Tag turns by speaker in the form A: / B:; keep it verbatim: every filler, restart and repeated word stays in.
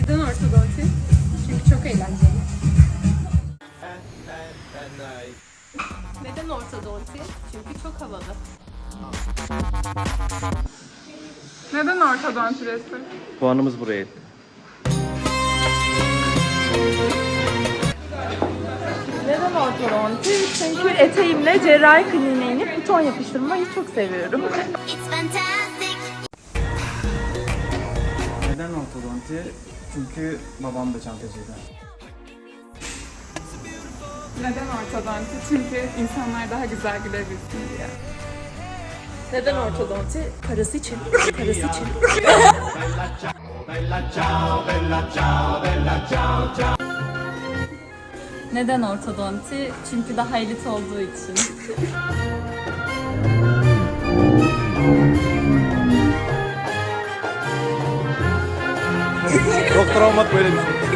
A: Neden ortodonti? Çünkü çok eğlenceli. Neden ortodonti? Çünkü çok havalı.
B: Neden ortodonti resim?
C: Puanımız buraya.
D: Neden ortodonti? Çünkü eteğimle cerrahi kliniğine inip buton yapıştırmayı çok seviyorum.
E: Neden ortodonti? Çünkü babam da çantacıydı.
B: Neden ortodonti? Çünkü insanlar daha güzel gülebilsin diye.
D: Neden ortodonti? Parası için. Parası için.
F: Neden ortodonti? Çünkü daha elit olduğu için.
C: Doktor olmak böyle bir şey.